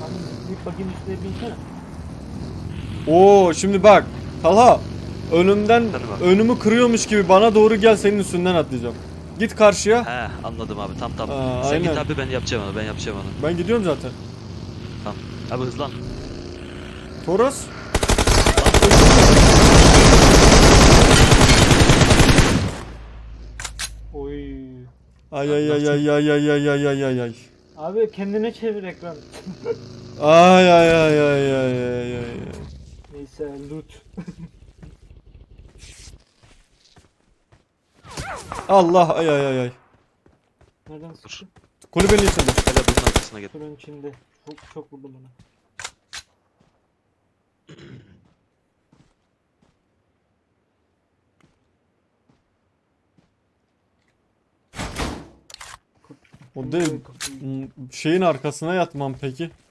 Bir bakayım üstüne binsene. Oo şimdi bak. Talha. Önümden Efendim abi. önümü kırıyormuş gibi bana doğru gel, senin üstünden atlayacağım. Git karşıya. He anladım abi, tamam. Sen Aynen. git abi, ben yapacağım onu. Ben gidiyorum zaten. Tamam. Abi hızlan. Toros. Oy. Ay ay ay ay ay ay ay ay ay ay ay. Abi kendine çevir ekran. Ay ay ay ay ay ay ay. Neyse loot. Allah ay ay ay ay. Nereden sıktı? Kulübenin içinde. Hele bunun arkasına git. Şuranın içinde. Çok vurdum ona. O değil. Şeyin arkasına yatmam peki.